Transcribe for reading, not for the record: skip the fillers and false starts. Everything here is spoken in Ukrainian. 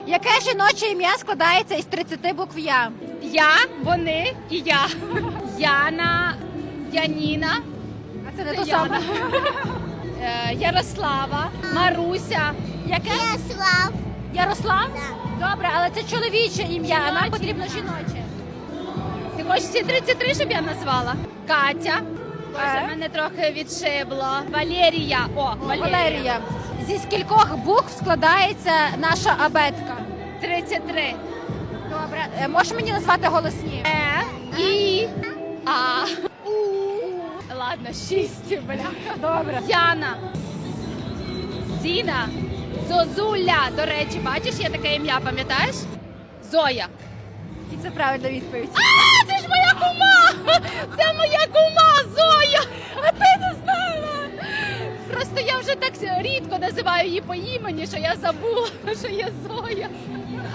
Яке жіноче ім'я складається із 30 букв «Я»? Я, вони і я. Яна, Яніна, А це не то саме. Ярослава, Маруся. Яке? Ярослав. Ярослав? Да. Добре, але це чоловіче ім'я, а нам Жіноче. потрібно жіноче. Ти хочеш всі 33, щоб я назвала? Катя. Боже, Е? мене трохи відшибло. Валерія. Валерія. Зі скількох букв складається наша абетка? 33. Добре. Можеш мені назвати голосні? І. А. У. Ладно, 6, бля. Добре. Яна. Зіна. Зозуля. До речі, бачиш, є таке ім'я, пам'ятаєш? Зоя. І це правильна відповідь. А, це ж моя кума! Це моя кума Зоя! А ти не знала? Просто я вже так рідко називаю її по імені, що я забула, що є Зоя.